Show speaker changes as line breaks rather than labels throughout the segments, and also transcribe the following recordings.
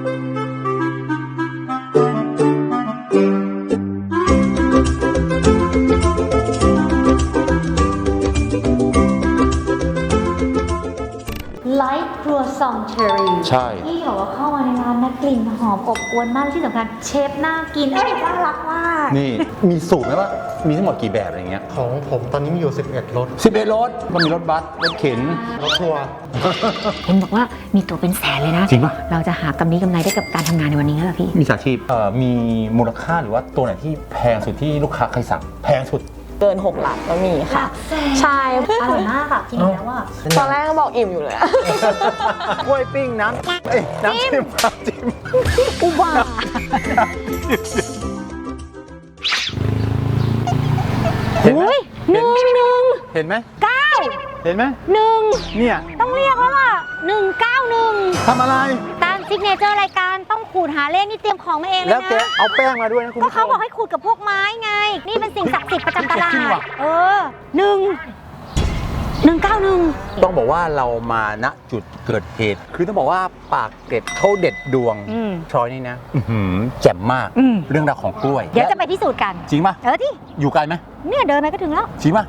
ไลท์ครัวซองเชอรี่
ใช่
ที่บอกว่าเข้ามาในร้านนะกลิ่นหอมอบอวลมากที่สำคัญเชฟน่ากินน่ารักมาก
นี่มีสูตรไหมว่ามีทั้งหมดกี่แบบอะไรเงี้ย
ของผมตอนนี้มีอยู่11รถ
11รถมันมีรถบัสรถเข็น
รถทัวร์
เห็นบอกว่ามีตัวเป็นแสนเลยนะ
จริงปะ
เราจะหากำไรได้กับการทำงานในวันนี้แล้วพี่
มีสาชีพมีมูลค่าหรือว่าตัวไหนที่แพงสุดที่ลูกค้าเคยสั่งแพงสุด
เกิน6 หลักก็มีค่ะใช่
อร่อยมากค่ะกินแล้วว่า
ตอนแรกก็บอกอิ่มอยู่เลย
กล้วยปิ้งน้ำจิ้ม
อุบา
เห็นไหม
หนึ่ง
เห็นไหม
9
เห็นไหม
1
เนี่ย
ต้องเรียกแล้วล่ะ191
ทำอะไร
ตามซิกเนเจอร์รายการต้องขูดหาเลขนี่เตรียมของมาเองเลยนะ
แล้วแกเอาแป้งมาด้วยนะคุณ
ก็เขาบอกให้ขูดกับพวกไม้ไงนี่เป็นสิ่งศักดิ์สิทธิ์ประจำตลาด191
ต้องบอกว่าเรามาณจุดเกิดเหตุคือต้องบอกว่าปากเกร็ดเขาเด็ดดวงชอยนี่นะแจ่มมากเรื่องราวของกล้วย
เดี๋ยวจะไปพิสูจน์กัน
จริงป่ะ
ที่
อยู่ไกลไหม
เนี่ยเดินไปก็ถึงแล้ว
จริงป่ะ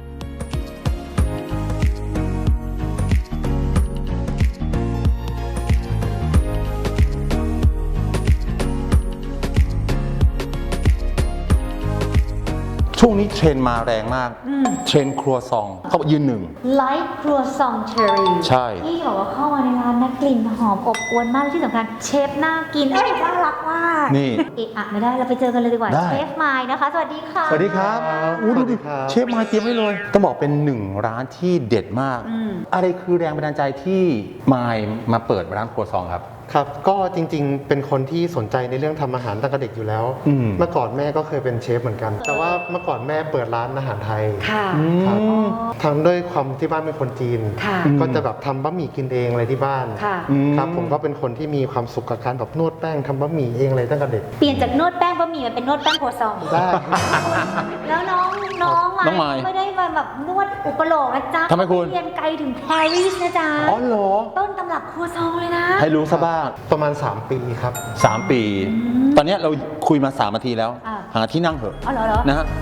ช่วงนี้เทรนมาแรงมากเทรนครัวซองเขายืนหนึ่ง
ไลท์ครัวซองเชอรี่
ใช่
ที่บอกว่าเข้ามาในร้านนะกลิ่นหอมอบอวลมากที่สำคัญเชฟน่ากินน่ารักมาก
นี่
ไม่ได้เราไปเจอกันเลยดีกว่าเชฟไมค์นะคะสวัสดีค่ะ
สวัสดีครับดูดิเชฟไมค์เตรียมไว้เลยต้องบอกเป็นหนึ่งร้านที่เด็ดมากอะไรคือแรงบันดาลใจที่ไมค์มาเปิดร้านครัวซองครับ
ครับก็จริงๆเป็นคนที่สนใจในเรื่องทำอาหารตั้งแต่เด็กอยู่แล้วเมื่อก่อนแม่ก็เคยเป็นเชฟเหมือนกันแต่ว่าเมื่อก่อนแม่เปิดร้านอาหารไทยครับทำด้วยความที่บ้านเป็นคนจีนก็จะแบบทำบะหมี่กินเองอะไรที่บ้านครับผมก็เป็นคนที่มีความสุขกับการแบบนวดแป้งทำบะหมี่เองอะไรตั้งแต่เด็ก
เปลี่ยนจากนวดแป้งบะหมี่มาเป็นนวดแป้งครัวซอง
ได้
แล้วน้องไม่ได้มาแบบนวดอุปโลกนะจ๊ะ
ทำไมคุณ
เรียนไกลถึงปารีสนะจ๊ะ
อ๋อเหรอ
ต้นตำรับครัวซองเลยนะ
ให้รู้ซะบ้าง
ประมาณ3 ปีครับ
3 ปีตอนนี้เราคุยมา3 นาทีแล้วหาที่นั่งเถอะนะฮะ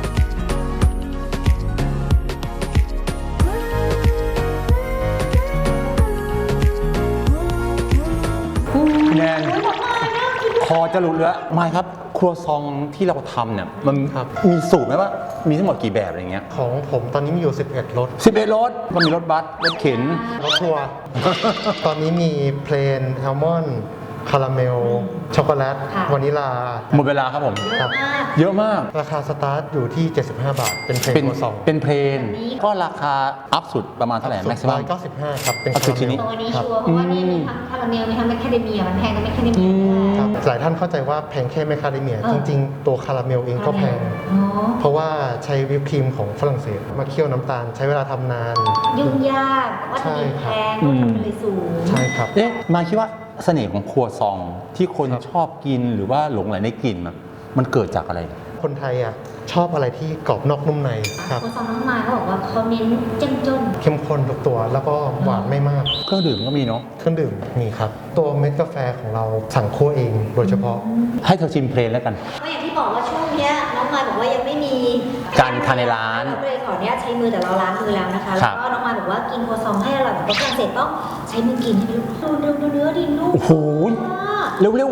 แนนคอจะหลุดแล้วไม่ครับครัวซองที่เราทำเนี่ยมันมีสูตรไหมว่ามีทั้งหมดกี่แบบอะไรเงี้ย
ของผมตอนนี้มีอยู่11รถ
รถมันมีรถบัสรถเข็น
รถทัวร์ตอนนี้มีเพลนแอลมอนด์คาราเมลช็อกโกแลตวานิลา
หมดเวลาครับผมเยอะมาก
ราคาสตาร์ทอยู่ที่75 บาทเป็นเพลนซอง
เป็นเพลนก็ราคาอัพสุดประมาณเท่าไหร่แม็กซิมัม
195ครับเป็น
คาราเมล
ตัวนี้ชัวร์เพราะว่านี่มีทั้งคาราเมลมีทั้งแมคคาเดเมียมันแพงกับแมคคาเดเมีย
ครับหลายท่านเข้าใจว่าแพงแค่แมคคาเดเมียจริงๆตัวคาราเมลเองก็แพงเพราะว่าใช้วิปครีมของฝรั่งเศสมาเคี่ยวน้ำตาลใช้เวลาทำนาน
ยุ่งยากวัตถุดิบแพงต้นทุนเลยสูง
ใช่ครับ
มาคิดว่าเสน่ห์ของครัวซองที่คนชอบกินหรือว่าหลงไหลในกลิ่นมันเกิดจากอะไร
คนไทยชอบอะไรที่กรอบนอกนุ่มในครับ
ครัวซองน้องมายเขาบอกว่าเขาเน้นเจ้มจน
เข้มข้นทุกตัวแล้วก็หวานไม่มาก
เครื่องดื่มก็มีเนาะ
เครื่องดื่มมีครับตัวเม็ดกาแฟของเราสั่งคั่วเองโดยเฉพาะ
ให้เธอชิมเพลนแล้วกัน
ก็อย่างที่บอกว่าช่วงนี้น้องมายบอกว่ายังไม่มี
การทานในร้าน
เลยขอเนี้ยใช้มือแต่เราล้างมือแล้วนะคะแล้วก็น้องมายบอกว่ากินครัวซองให้อร่อยแบบฝรั่งเศสต้องใช้มือกินให้ดูเนื้อดินุ่ม
โอ้โหเร็ว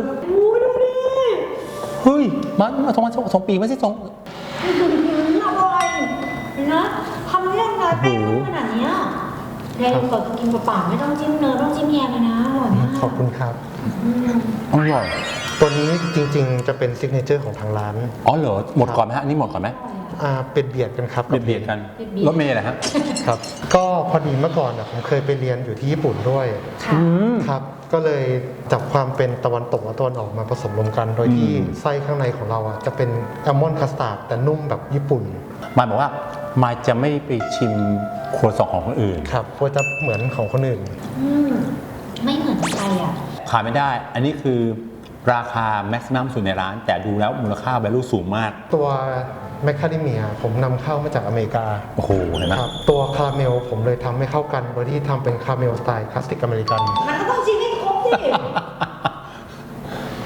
เฮ้ยมา2 ปีไม่ใช่2
อร่อยนะทำเรื่องอะไรแป้งขนาดนี้แรงกว่ากินเปล่าไม่ต้องจิ้มเนยต้องจิ้มแยมเลยนะอร่อยมาก
ขอบคุณครับ
อร่อย
ตัวนี้จริงๆจะเป็นซิกเนเจอร์ของทางร้าน
อ๋อเหรอหมดก่อนไหมฮะอันนี้หมดก่อนไหม
เป็นเบียดกันครับ
เบียดกันรถเมล์นะฮะ
ครับก็พอดีเมื่อก่อนผมเคยไปเรียนอยู่ที่ญี่ปุ่นด้วยครับก็เลยจับความเป็นตะวันตกและตะวันออกมาผสมรวมกันโดยที่ไส้ข้างในของเราจะเป็นแอลมอนด์คัสตาร์ดแต่นุ่มแบบญี่ปุ่น
หมายบอกว่ามาจะไม่ไปชิมครัวซองของคนอื่น
ครับเพราะจะเหมือนของคนอื่น
ไม่เหมือนใคร
ขายไม่ได้อันนี้คือราคาแม็กซิมัมสุดในร้านแต่ดูแล้วมูลค่า value สูงมาก
ตัวแมคคาเดเมียผมนำเข้ามาจากอเมริกา
โอ้โหเห็นไหม
ตัวคาราเมลผมเลยทำให้เข้ากันโดยที่ทำเป็นคาราเมลสไตล์คลาสสิกอเมริกัน
มันก็ต้องชิมให้ครบสิ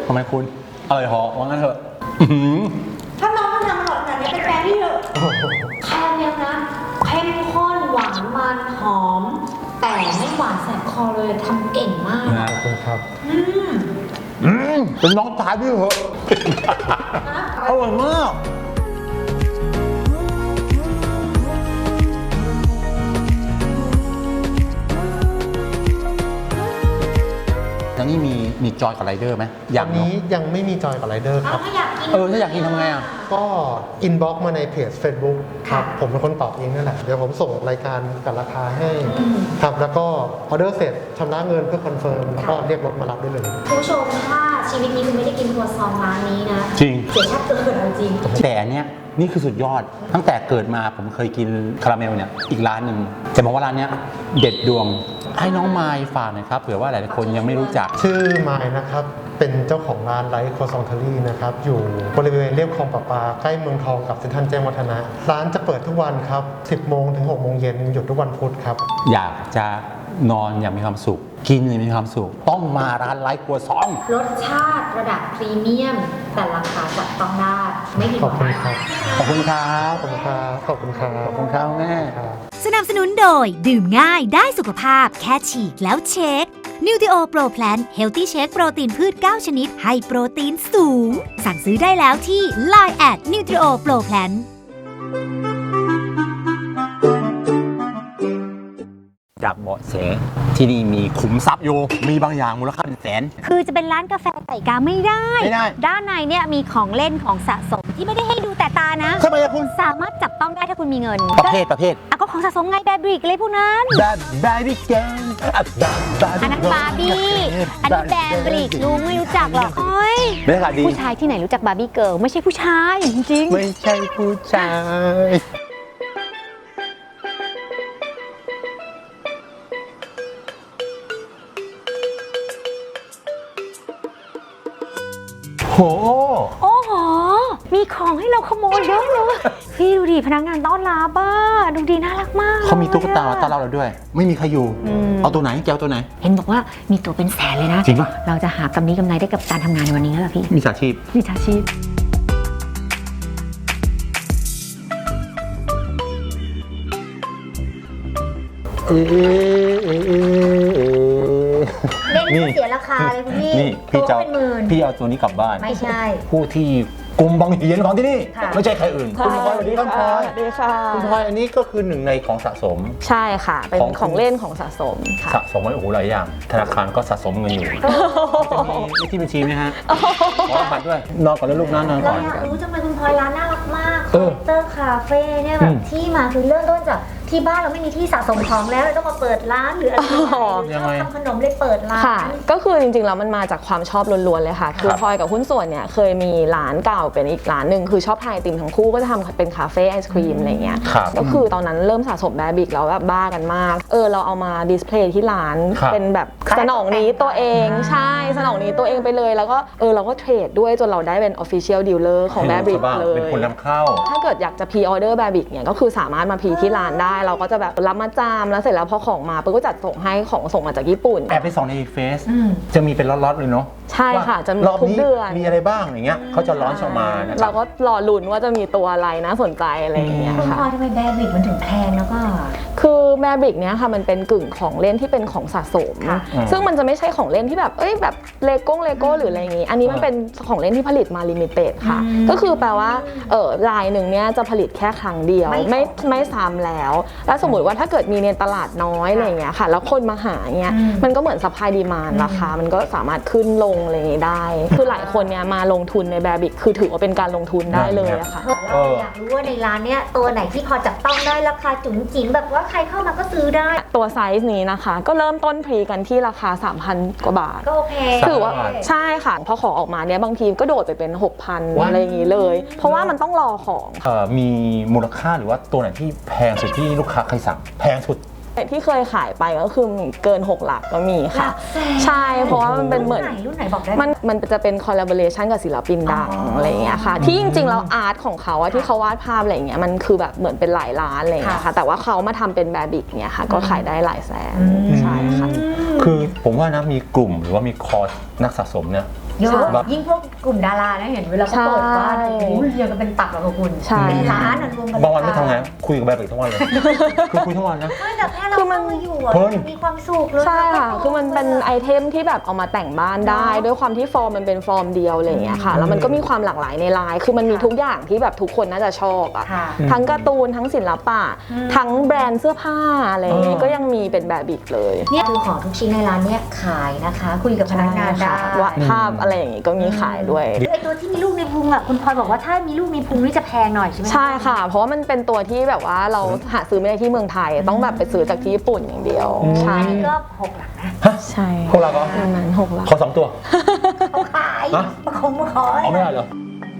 ทำไมคุณอร่อยเหรอว่างั้นเถอะ
ถ้าน้องทำอร่อยขนาดนี้เป็นแฟนพี่เถอะคาราเมลนะเข้มข้นหวานมันหอม แต่ไม่หวานแสบคอเลยทำเก่งมาก
ขอบคุณครับ
เป็นน้องชายพี่เหรออร่อยมากแล้วนี่มีจอยกับไรเดอร์ไหมอ
อันนี้ยังไม่มีจอยกับไรเดอร์ครับ
ถ้าอยากกิน
ถ้าอยากกินทำไงอ่ะ
ก็อินบ็อกซ์มาในเพจ Facebook ครับ
ค่ะ
ผมเป็นคนตอบเองนั่นแหละ เดี๋ยวผมส่งรายการกับราคาให้ครับ แล้วก็ออเดอร์เสร็จชำระเงินเพื่อคอนเฟิร์มแล้วก็เรียกรถมารับได้เลย
คุณผู้ชมถ้าชีวิตนี้คุณไม่ได้กินครัวซองร้านนี้นะ
จริง
เสียชาติเกิดเอาจริง
แต่อันเนี้ยนี่คือสุดยอด ตั้งแต่เกิดมาผมเคยกินคาราเมลเนี่ยอีกร้านหนึ่งจะบอกว่าร้านเนี้ยเด็ดดวงให้น้องไมล์ฝากหน่อยครับเผื่อว่าหลายๆคนยังไม่รู้จัก
ชื่อมายนะครับ เป็นเจ้าของร้านไลท์ครัวซองเทอรี่นะครับ อยู่บริเวณเรียบคลองประปาใกล้เมืองทองกับเซ็นทรัลแจ้งวัฒนะ ร้านจะเปิดทุกวันครับ 10 โมงถึง 6 โมงเย็นหยุดทุกวันพุธครับ
อยากจะนอนอย่างมีความสุข กินอย่างมีความสุข ต้องมาร้านไลท์ครัวซอง
รสชาติระดับพรีเมียม แต่ราคาจับต้องได้ไม่ผิดห
ข
วั
อบคุณครับ
ขอบคุณครับ
ขอบคุณครับ ขอบคุณครับ
ขอบคุณครับแม่
ครับ
สนับสนุนโดยดื่มง่ายได้สุขภาพแค่ฉีกแล้วเช็ค Nutrio Pro Plan Healthy Shake โปรตีนพืช 9 ชนิดให้โปรตีนสูง สั่งซื้อได้แล้วที่ Line @Nutrio Pro Plan
จากเบาะแสที่นี่มีขุมทรัพย์อยู่มีบางอย่างมูลค่าเป็นแสน
คือจะเป็นร้านกาแฟไก่กาไม่ได้
ไม่ได้
ด้านในเนี่ยมีของเล่นของสะสมที่ไม่ได้ให้ดูแต่ตานะ
ทำไมอะคุณ
สามารถจับต้องได้ถ้าคุณมีเงิน
ประเภท
อ่ะก็ของสะสมไงแบบริกอะไรพวกนั้น
Baby girl
อันนั้นบาร์บี้ อันนี้แบบริกลุงไม่รู้จักหรอกโอ้ย
บรรยากาศดี
ผู้ชายที่ไหนรู้จักบาร์บี้เกิร์ลไม่ใช่ผู้ชายจริงๆ
ไม่ใช่ผู้ชาย โห
โอ้โห มีของให้เราขโมยเยอะเลย พี่ดูดิพนักงานต้อนรับบ้าดูดีน่ารักมาก
เขามีตุ๊กตา
เลยอะ
ต้อนรับเราด้วย ไม่มีใครอยู่ เอาตัวไหนแกเอาตัวไหน
เห็นบอกว่ามีตัวเป็นแสนเลยนะ
จริงปะ
เราจะหากำนี้กำไรได้กับการทำงานในวันนี้แล้วล่ะพี่
มีสาชีพ
วิชาชีพ
เล่นก็เสียราคาเลยคุณพี่
นี่
ตั
พี่
ว
จะ
เป็นหมื่น
พี่เอาตัวนี้กลับบ้าน
ไม่ใช่
ผู้ที่กลุ่มบางเหียนของที่นี่
ค่ะ
ไม่ใช่ใครอื่น คุณพลอยสวัสดีครับพลอย
สวัสดีค่ะ
คุณพลอยอันนี้ก็คือหนึ่งในของสะสม
ใช่ค่ะ เป็น
ของ
ของเล่นของสะสมค่ะ
สะสมไว้โอ้โหหลายอย่าง ธนาคารก็สะสมเงินอยู่จะมีเลขที่บัญชีไหมฮะขอรหัสด้วย นอนก่อนแล้วลูกนะนอน
เรา
ก่อน
อยากรู้จังเลยคุณพลอยร้านน่ารักมาก
เออ
เตอร์คาเฟ่เนี่ยแบ
อื
บ
ม
ที่มาคือเริ่มต้นจากที่บ้านเราไม่มีที่สะสมของแล้วเราต้องมาเปิดร้านหรืออะไร
อ๋อ
ชอบทำขนมเลยเปิดร้าน
ค่ะ ก็คือจริงๆแล้วมันมาจากความชอบล้วนๆเลยค่ะ คือพลอยกับหุ้นส่วนเนี่ยเคยมีร้านเก่าเป็นอีกร้านหนึ่งคือชอบทานไอติมทั้งคู่ก็จะทำเป็นคาเฟ่ไอศครีมอะไรเงี้ย
ครับ
ก็คือตอนนั้นเริ่มสะสมแบบิกแล้วแบบบ้ากันมาก เราเอามาดิสเพลย์ที่ร้าน
ครับ
เป็นแบบสนองนี้ตัวเองใช่สนองนี้ตัวเองไปเลยแล้วก็เราก็เทรดด้วยจนเราได้เป็น Official Dealer ของแบบิก
บ้าง
เลย
เป็นคนนำเข้า
ถ้าเกิดอยากจะพรีออเดอร์แบบิกเนี่ยก็คือสามารถมาพรีที่ร้านได้ เราก็จะแบบรับมาจามแล้วเสร็จแล้วพอของมาปุ๊บก็จัดส่งให้ของส่งมาจากญี่ปุ่น
แอบไปส่องในเฟซจะมีเป็นล็อตๆเลยเนาะ
ใช่ค่ะ จะมี
รอบ
ทุก
นี้
เดือน
มีอะไรบ้างอย่างเงี้ยเขาจะร้อนออกมานะค
เรา
รับ
ก็รอลุ้นว่าจะมีตัวอะไรน่าสนใจอะไรอย่างเงี้ย
คุณ
ค่ะ
พลอยทำไมแบร์บิกมันถึงแพงแล้วก็
คือแมบริกเนี้ยค่ะมันเป็นกึ่งของเล่นที่เป็นของสะสม
ค่ะ
ซึ่งมันจะไม่ใช่ของเล่นที่แบบแบบเลโก้หรืออะไรอย่างงี้ อันนี้มันเป็นของเล่นที่ผลิตมาลิมิเต็ดค่ะ ก็คือแปลว่าลายหนึ่งเนี้ยจะผลิตแค่ครั้งเดียว ไม่ซ้ำแล้ว แล้วสมมติว่าถ้าเกิดมีในตลาดน้อยอะไรอย่างเงี้ยค่ะ แล้วคนมาหาเงี้ยมันก็เหมือนซัพพลายดีมานด์ราคามันก็สามารถขึ้นลงอะไรอย่างงี้ได้ คือหลายคนเนี่ยมาลงทุนในแบบิกคือถือว่าเป็นการลงทุนได้เลยอะค่ะ
เราอยากรู้ว่าในร้านเนี้ยตัวไหนที่พอจับต้องได้ราคาจุ๋มจิ๋มแบบว่าใครเข้ามาก็ซื้อได้
ตัวไซส์นี้นะคะ ก็เริ่มต้นพรีกันที่ราคา 3,000 กว่าบาท
ก็โอเค
ถือว่าใช่ค่ะพอของออกมาเนี่ยบางทีก็โดดไปเป็น 6,000 อะไรอย่างนี้เลย เพราะว่ามันต้องรอของ
มีมูลค่าหรือว่าตัวไหนที่แพงสุดที่ลูกค้าเคยสั่งแพงสุด
ที่เคยขายไปก็คือเกิน 6 หลักก็มีค่ะ ใช่เพราะว่ามันเป็นเหมือน
รุ่นไหนบอกได้ไหม
มันจะเป็นคอลลาบอเรชันกับศิลปินดังอะไรอย่างเงี้ยค่ะ ที่จริงๆแล้วอาร์ตของเขาอะที่เขาวาดภาพอะไรอย่างเงี้ยมันคือแบบเหมือนเป็นหลายล้านอะไรอย่างเงี้ยค่ะแต่ว่าเขามาทำเป็นแบบิกเนี่ยค่ะก็ขายได้หลายแสนใช่ค่ะ
คือผมว่านะมีกลุ่มหรือว่ามีคอร์สนักสะสมเนี่ย
เยอะ
แบบ
ยิ่งพวกกลุ่มดารานะเห็นเวลาเขาเปิดบ้าน
ใช่
โอ้โหเรียงกันเป็นตับแล้วกับคุณ
ใช่
เป็นร้านรวมกัน
บางวันไม่ทำงานคุยกับแบบอีกทั้งวันเลยคือคุยทั้งวันนะ
ไม่แต่แค่เรา
คือมัน
นั่งอยู่อะ
เพลิน
มีความสุขเลย
ใช่ค่ะคือมันเป็นไอเทมที่แบบเอามาแต่งบ้านได้ ด้วยความที่ฟอร์มมันเป็นฟอร์มเดียวอะไรอย่างเงี้ยค่ะแล้วมันก็มีความหลากหลายในลายคือมันมีทุกอย่างที่แบบทุกคนน่าจะชอบอะ
ค่ะ
ทั้งการ์ตูนทั้งศิลปะทั้งแบรนด์เสื้อผ้าอะไรอย่างเงี้ยก็ยังมีเป็นแบบอีกเลย
เนี่ยคือของทุกชิ้นในร้านเนี่ยขายนะคะ คุยกับพนักงานได้
วาดภาพอะไรอย่างงี้ก็มีขายด้วย
ไอตัวที่มีลูกในพุงอ่ะคุณพลอยบอกว่าถ้ามีลูกในพุงนี่จะแพงหน่อยใช่ไหม
ใช่ค่ะ เพราะว่ามันเป็นตัวที่แบบว่าเราหาซื้อไม่ได้ที่เมืองไทยต้องแบบไปซื้อจากที่ญี่ปุ่นอย่างเดียวใช่
อันนี้ก็6 หลักนะ
ใช่
พวกเราก็
ประมาณ6 หลัก
ขอ2 ตัว
เขาขาย
ฮะ
มาคงมาขอ
เอาไม่ได้เหรอ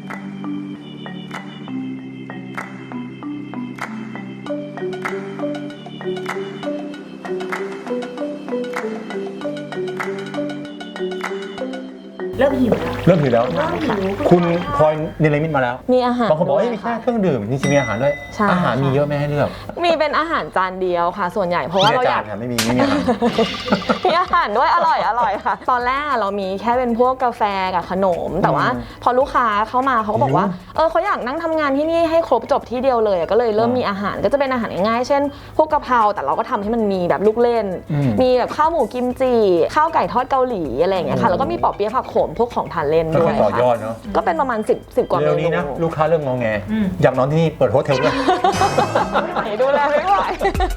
เริ่มหิวแล้ว
เริ่มหิวแล้ว
เริ่มหิว
คุณพลอยเนรมิตมาแล้ว
มีอาหาร
บางคนบอกว่า
ด้วย
มีแค่
ค่ะ
เครื่องดื่มจริงๆมีอาหารด้วย
ใช่
อาหารมีเยอะไหมให้เลือก
มีเป็นอาหารจานเดียวค่ะ ส่วนใหญ่เพราะว่าเราอยาก
จนค่ะไม่มีอาหาร
มีอาหารด้วยอร่อยค่ะ ตอนแรกเรามีแค่เป็นพวกกาแฟกับขนม แต่ว่าพอลูกค้าเข้ามาเขาก็บอกว่าเขาอยากนั่งทำงานที่นี่ให้ครบจบที่เดียวเลยก็เลยเริ่มมีอาหารก็จะเป็นอาหารง่ายๆเช่น พวกกะเพราแต่เราก็ทำให้มันมีแบบลูกเล่น มีแบบข้าวหมูกิมจิข้าวไก่ทอดเกาหลีอะไรอย่างเงี้ยค่ะแล้วก็มีปอเปี๊ยะผักโขมพวกของทานเล่น
ก็
ด้วย
ต่อยอ
ค่ะ
ดเนาะ
ก็เป็นประมาณ10 กว่าเม
เร็วนี้
นู
นะลูกค้าเริ่มงอแงอยากนอนที่นี่เปิดโฮสเทลด้วย
ไหนดูแลไม่ไหว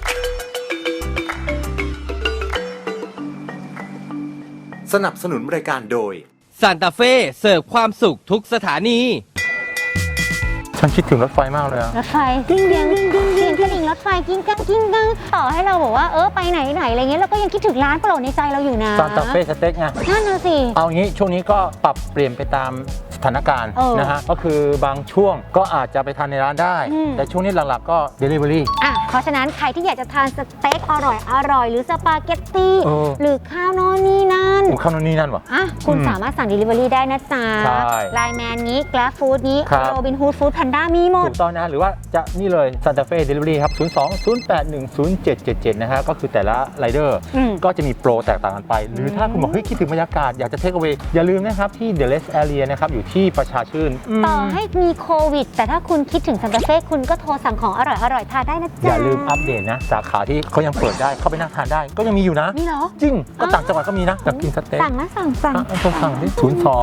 สนับสนุนรายการโดย
ซานตาเฟ่เสิร์ฟความสุขทุกสถานี
ฉันคิดถึงรถไฟมากเลยอะ
รถไฟกิ้งเสียงกระดิ่งรถไฟกิ้งกังกิ้งกังต่อให้เราบอกว่าไปไหนอะไรเงี้ยเราก็ยังคิดถึงร้านโปรดในใจเราอยู่นะ
ซานตาเฟ่สเต็กไง
นั่นน่ะสิ
เอางี้ช่วงนี้ก็ปรับเปลี่ยนไปตามสถานการณ์
เออ
นะฮะก็คือบางช่วงก็อาจจะไปทานในร้านได้ แต่ช่วงนี้หลักๆก็ Delivery
เพราะฉะนั้นใครที่อยากจะทานสเต็กอร่อยหรือสปาเกตตี้
เออ
หรือข้าวโน่นนี่นั่น
ข้าวนู่นนี่นั่นวะ
คุณสามารถสั่ง Delivery ได้นะจ๊ะ
ใช่
ไลน์แมนนี้ Grab Food นี้
ครับ
โรบินฮูดฟู้ดแพนด้ามีหมด
ถูกต้องนะหรือว่าจะนี่เลย Santa Fe Delivery ครับ 02-081-0777 นะฮะก็คือแต่ละไรเดอร์
อืม
ก็จะมีโปรแตกต่างกันไป หรือถ้าคุณบอกเฮ้ยคิดถึงบรรยากาศอยากจะเทคเอา a y อย่าลืมนะครับที่ The Rest Area นะครับอยู่ที่ประชาชื่น
ต่อให้มีโควิด แต่ถ้าคุณคิดถึงซันตาเฟ่คุณก็โทรสั่งของอร่อยทานได้นะจ๊ะ
อย่าลืมอัปเดตนะ สาขาที่เขายังเปิดได้เข้าไปนั่งทานได้ก็ยังมีอยู่นะ
มีเหรอ
จริงก็ต่างจังหวัดก็มีนะอยากกินสเต็ก
สั่งนะสั่ง
โทรสั่งที่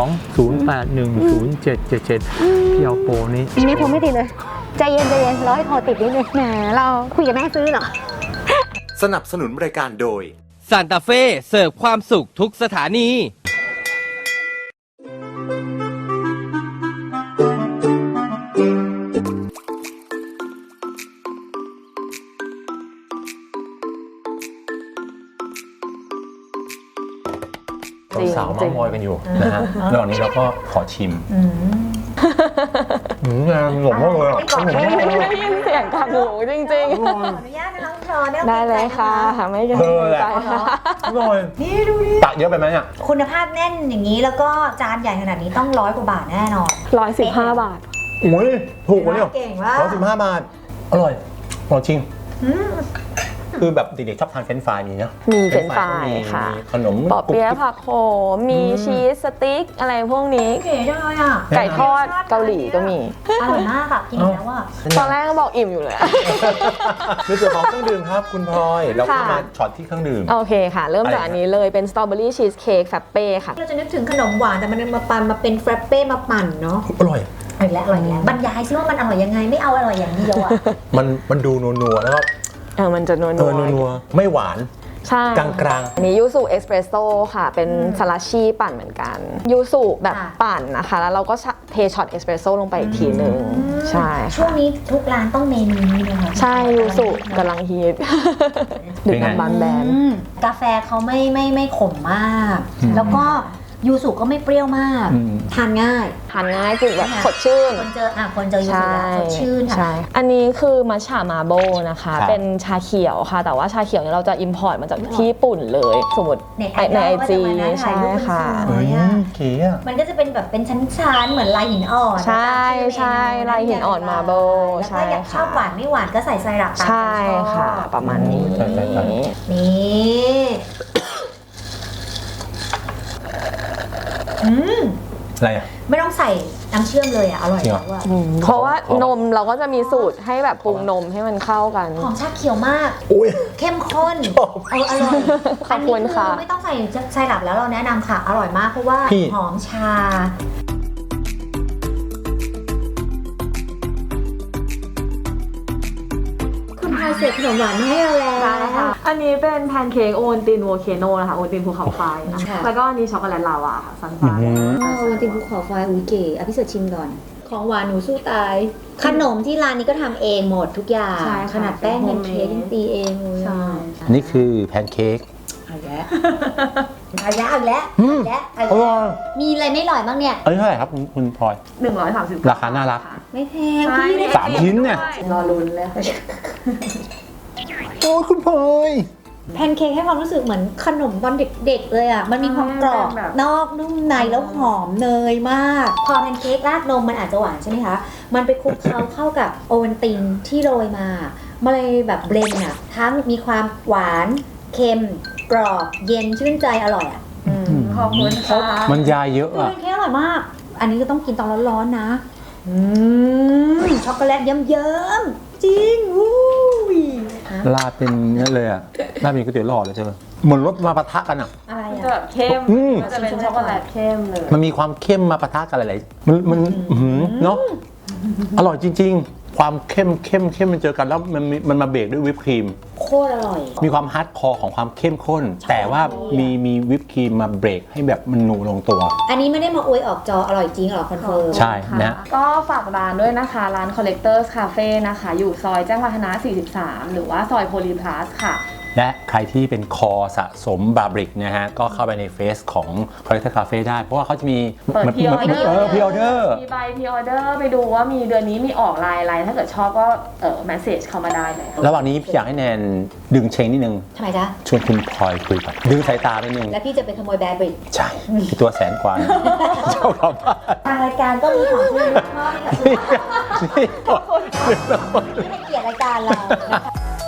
02-081-0777พี่เอาโปรนี้
ไม่ผมไม่ติดเลย ใจเย็นรอให้โทรติดนิดนึงแหมเราคุยกับแม่ซื้อเหรอ
สนับสนุนรายการโดย
ซานตาเฟ่เสิร์ฟความสุขทุกสถานี
สาวๆเมามอยกันอยู่นะฮะระหว่างนี้เราก็ขอชิมงานหลงมากเลยอ่ะ
ได้ยินเสียงกับหมูจริง
ขออนุญาตนะน้องพลอย
ๆ ได้เลยค่ะไม่เกรงใจค่ะ
อร่อย
นี่ดูดิ
ตักเยอะไปไหมเนี่ย
คุณภาพแน่นอย่างนี้แล้วก็จานใหญ่ขนาดนี้ต้อง100 กว่าบาทแน่นอน
115 บาท
โอ้ยถูกกว่าเนี่ย
เก่งมาก
115 บาท อร่อยอร่อยจริง คือแบบเด็กๆชอบทานเฟรนช์ฟรายมีนะ
มีเฟรนช์ฟรายค่ะ
มีขนม
ปอเปี๊ยะผักโขมมีชีสสติ๊กอะไรพวกนี้
เก๋จังเลยอ่ะ
ไก่ทอดเกาหลีก็มี
อร่อยมากอ่ะกินแล้วอ่ะ
ตอนแรกก็บอกอิ่มอยู่เลย
ในส่วนของเครื่องดื่มครับคุณพลอยเราก็มาช็อตที่เครื่องดื่ม
โอเคค่ะ เริ่มจากอันนี้เลยเป็นสตรอเบอรี่ชีสเค้กแฟปเป้ค่ะ
เราจะนึกถึงขนมหวานแต่มันมาปั่นมาเป็นแฟรปเป้มาปั่นเนาะ
อร่อย
อร่อยแล้วบรรยายซิว่ามันอร่อยยังไงไม่เอาอร่อยอย่างเดียวอ่ะ
มันดูนัวๆแล้วก็
มันจะนัว
นัวๆไม่หวาน
ใช่
กลางๆ
อันนี้ยูสุเอสเปรสโซ่ค่ะ เป็นสลัชชี่ปั่นเหมือนกันยูสุแบบปั่นนะคะ แล้วเราก็เทช็อตเอสเปรสโซ่ลงไปอีกทีหนึ่งใช่
ช่วงนี้ทุกร้านต้องเมนูนี้เลยค่ะ
ใช่ยูสุกำลังฮิตดื่มน้ำบานแบน
กาแฟเขาไม่ขมมาก แล้วก็ยูสุก็ไม่เปรี้ยวมากทานง่าย
ทานง่ายคือแบบสดชื่น
คนเจอยูสุแล้วสดชื่น
ใช่
ค่ะ
อันนี้คือมัชฉามาโบนะคะ
ครับ
เป็นชาเขียวค่ะ แต่ว่าชาเขียวเนี่ยเราจะอิมพอร์ตมาจากที่ญี่ปุ่นเลย สมมติ
ใน
ในไอจี
ใช่
ใช่ค่ะ
เฮ้ยเก๋อะ
มันก็จะเป็นแบบเป็นชั้นๆเหมือนลายหินอ่อน
ใช่ใช่ลายหินอ่อนมาโบ
แล้วก็อยากชอบหวานไม่หวานก็ใส่ไซรัปตาม
ใช่
ใจชอบ
ค่ะ ประมาณนี้
ใช่
นี่
อะไรอ่ะ
ไม่ต้องใส่น้ำเชื่อมเลยอ่ะ อร่อย
จริงเหรอ
แล้วอ่ะ
เพราะว่านมเราก็จะมีสูตรให้แบบปรุงนมให้มันเข้ากัน
หอมชาเขียวมาก
อุ้ย
เข้มข้นอร่อย
ขอบคุณค่ะ
อันนี้ไม่ต้องใส่ไซรัปแล้วเราแนะนำค่ะ อร่อยมากเพราะว่า
พี่
หอมชา คุณพลอยเสกขนมหวานมาให้เราแล้ว
ใช่ค่ะ อันนี้เป็นแพนเค้กโอวัลตินโวลเคโนนะคะโอวัลตินภูเขาไฟนะ
ค่ะ
แล้วก็อันนี้ช็อกโกแลตลาวาค่ะซันฟ้า
วันตินภูเขาไฟอุ้ยเก๋อภิเษกชิมก่อน ของหวานหนูสู้ตาย ขนมที่ร้านนี้ก็ทำเองหมดทุกอย่าง
ใช่ค่ะ
ขนาดแป้งแพนเค้กยังตีเองเลย
ใช่
นี่คือแพนเค้ก
เอาแล้วเอาแล้วเอาแล้ว
อืม
เอา
อ
แล้ว
ร่อย
มีอะไรไม่อร่อยบ้างเนี่ย
อันนี้เท่าไหร่ครับคุณพลอย
130
ราคาน่ารัก
ไม่แพง
ใช่
พี่ได้
สามชิ้นเนี่ย
รอลุ้นเลย
โอ้ยคุณพลอย
แพนเค้กให้ความรู้สึกเหมือนขนมตอนเด็กๆเลยอ่ะ มันมีความกรอบ
แบบ
นอกนุ่มในแล้วหอมเนยมาก พอแพนเค้กราดนมมันอาจจะหวานใช่ไหมคะ มันไปคลุกเคล้าเข้ากับโอวัลตินที่โรยมามันเลยแบบเบลนด์อ่ะ ทั้งมีความหวานเค็มกรอบเย็นชื่นใจอร่อยอ่ะ
ขอบคุณค่ะ
มันยาเยอะ
แพ
อ่ะ
นเค้กอร่อยมาก อันนี้ก็ต้องกินตอนร้อนๆนะช็อกโกแลตเยิ้มๆจริงอุ้ยฮะ
ลาดเป็นเนี้ยเลยอ่ะลาดเป็นก๋วยเตี๋ยวหลอดเลยเธอเหมือนรสมาปะทะกันอ่ะ
อะไร
จะ
อ่ะ
แบบเข้ม
อืม
ก็จะเป็นช็อกโกแลตเข้มเลย
มันมีความเข้มมาปะทะกันหลายๆมันเนาะอร่อยจริง ๆ ความเข้มมันเจอกันแล้วมันมาเบรกด้วยวิปครีม
โคตรอร่อย
มีความฮาร์ดคอร์ของความเข้มข้น แต่ว่ามีวิปครีมมาเบรกให้แบบมันนูลงตัว
อันนี้ไม่ได้มาอวยออกจออร่อยจริงหรอคอนเฟิร์ม
ใช่นะ
ก็ฝากร้านด้วยนะคะ ร้าน Collectors Cafe นะคะ อยู่ซอยแจ้งวัฒนะ 43 หรือว่าซอยโพลีพลัสค่ะ
และใครที่เป็นคอสะสมบาบริกนะฮะ ก็เข้าไปในเฟซของ Collector Cafe ได้ เพราะว่าเขาจะมี
เปิด pre order
พรีออเดอร์
มีใบพรีออเดอร์ไปดูว่ามีเดือนนี้มีออกลายอะไร ถ้าเกิดชอบก็แมสเซจเข้ามาได้เลย
ระหว่างนี้พี่อยากให้แนนดึงเชงนิดนึง
ทำไมจ๊ะ
ชวนคุณพลอยคุยก่อนดึงสายตาไปนึง
แล้วพี่จะไปขโมยแบร์บริก
ใช่พี่ตัวแสนกว่าเจ้าของบ้าน
ทางรายการก็มีของที่มอบให้กับทุก
นี่
ที่ให้เกียรติรายการเรานะคะ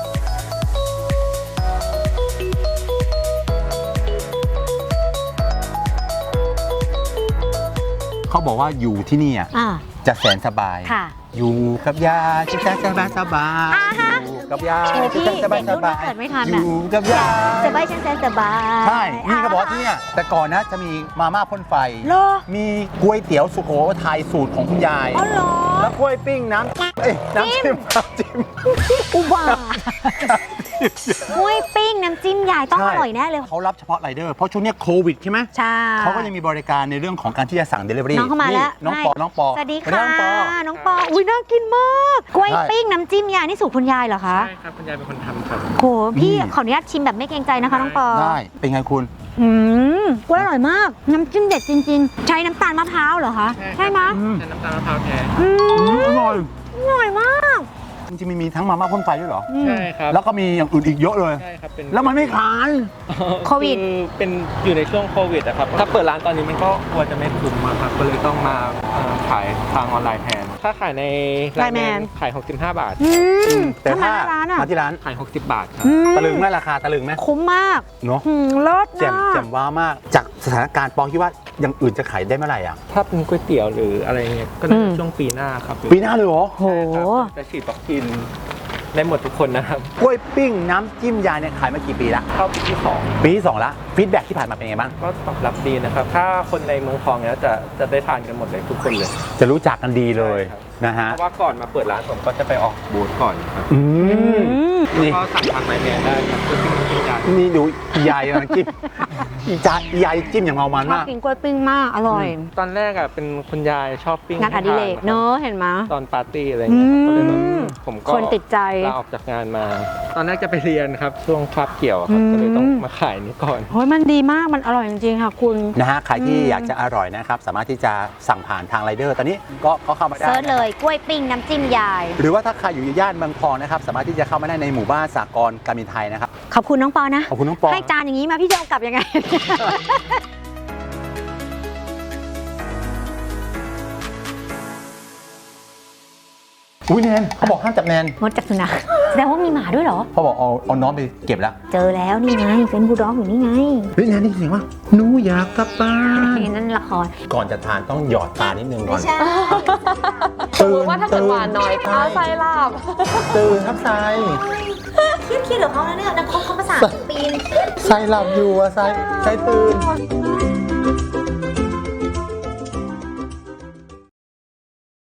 เขาบอกว่าอยู่ที่นี่อ่ะ
อ่า
จะแสนสบาย
ค่ะ
อยู่กับยาจะสบายสบาย
อ่าฮะ
อยู่กับยา
โอ้พี่
จะสบายสบาย
เด็กรุ่นเกิดไม่ทัน
อ
อะ
ยู่กับยา
สบายฉันแสนสบาย
ใช่ นี่ก็บอกว่าที่เนี่ยแต่ก่อนนะจะมีมาม่าพ่นไฟ
เหรอ
มีก๋วยเตี๋ยวสุโขทัยสูตรของคุณยาย
อ๋อเหรอ
แล้วกล้วยปิ้งน้ำจิ้ม
อุบาห้วยปิ้งน้ำจิ้มยายต้องอร่อยแน่เลย
เขารับเฉพาะไรเดอร์ เพราะช่วงเนี้ยโควิดใช่ไหม
ใช่
เขาก็ยังมีบริการในเรื่องของการที่จะสั่ง Delivery
น้องเข้ามาแล้ว
น้องปอ น้องปอ
สวัสดี
น้
ค่ะ
องปอ
น้องปอ อุ้ยน่ากินมากกล้วย
ใช่
ปิ้งน้ำจิ้มยายนี่สูตรคุณยายเหรอคะ
ใช่ครับคุณยายเป็นคนทำครับ
โหพี่ขออนุญาตชิมแบบไม่เกรงใจนะคะน้องปอ
ได้ เป็นไงคุณ
กล้วยอร่อยมาก น้ำจิ้มเด็ดจริง ๆ ใช้น้ำตาลมะพร้าวเหรอคะ ใช่ไหม
ใช้น้ำตาลมะพร้าวแท้
อร่อย
อร่อยมาก
จริงๆมีทั้งมาม่าพ่นไฟด้วยเหรอ
ใช่ครับ
แล้วก็มีอย่างอื่นอีกเยอะเลย
ใช่ครับเป็น
แล้วมันไม่ขาย
โควิด
อเป็นอยู่ในช่วงโควิดอะครับ ถ้าเปิดร้านตอนนี้มันก็กลัวจะไม่คุ้มอะครับ ก็เลยต้องมาขายทางออนไลน์แทน ถ้าขายใน
Line Man
ขาย 65 บาท
แต่
ทำไม
ถ้า
ร้านอ่ะ
มาที่ร้าน
ขาย 60 บาทครับ
ตะลึงไหมราคาตะลึงไหม
คุ้มมาก
เนาะ
เลิศ
แจ่ม
มาก
แจ่มว้าวมาก จากสถานการณ์ปองคิดว่าอย่างอื่นจะขายได้เมื่อไหร่อ่ะ
ถ้าเป็นก๋วยเตี๋ยวหรืออะไรเงี้ย ก็น่าจะช่วงปีหน้าครับ
ปีหน้าเลยเหรอ
โห
ใช่ครับจะฉีดวัคซีนได้หมดทุกคนนะครับ
กล้วยปิ้งน้ำจิ้มยายเนี่ยขายมากี่ปีละ
เข้าปีที่
ปีที่ 2 ละฟีดแบ็กที่ผ่านมาเป็นไงบ้าง
2 ก็ตอบรับดีนะครับ ถ้าคนในเมืองทองเนี่ยจะได้ทานกันหมดเลยทุกคนเลย
จะรู้จักกันดีเลย
ใช่ครับ
นะฮะ
เพราะว่าก่อนมาเปิดร้านผมก็จะไปออกบูธก่อนครับ
อืมนี่
ก็สั่งทางไลน์แมนได้ครับเพื่อที่มันกินยา
นี่ดูยายกำลังจิ้มยายจิ้มอย่างเมามัน
ชอบ
มาก
กินกล้วยปิ้งมาก อร่อย
ตอนแรกอ่ะเป็นคุณยายชอบปิ้ง
งานอดิเรกเนอะเห็นไหม
ตอนปาร์ตี้อะไรเงี้ยครับก็เลยแบบผมก็
คนติดใจ
ลาออกจากงานมา ตอนแรกจะไปเรียนครับช่วงคาบเกี่ยวครับก็เลยต้องมาขายนี้ก่อน
โอ้ยมันดีมาก มันอร่อยจริงๆค่ะคุณ
นะฮะ ใครที่อยากจะอร่อยนะครับ สามารถที่จะสั่งผ่านทางไรเดอร์ ตอนนี้ก็เข้ามาได้
เซิร์ชเลยกล้วยปิ้งน้ำจิ้มยาย
หรือว่าถ้าใครอยู่ย่านเมืองทองนะครับ สามารถที่จะเข้ามาได้ในหมู่บ้านสากลการบินไทยนะครับ
ขอบคุณน้องปอนะ
ขอบคุณน้องปอ
ให้จานอย่างนี้มาพี่จะเอากลับยังไง
อุ้ยแนนเขาบอกห้ามจับแนน
มดจากสุนัขแสดงว่ามีหมาด้วยเหรอ
พ่อบอกเอาน้องไปเก็บแล้ว
เจอแล้วนี่ไงเป็นบูลด็อกอยู่นี่ไง
เฮ้ยงานนี่เสียงว่าหนูอยากกลับบ้าน
นั่นละคร
ก่อนจะทานต้องหยอดตานิดนึงก่อน
สมมติว่าถ้าเกิดหวานน้อยตาไส้ลาบ
ตื่นครับทราย
เครียดๆเดี๋ยวเขาแล้วเนี่ยนักคอมเขาภาษาปีน
ทรายหลับอยู่อะทรายตื่น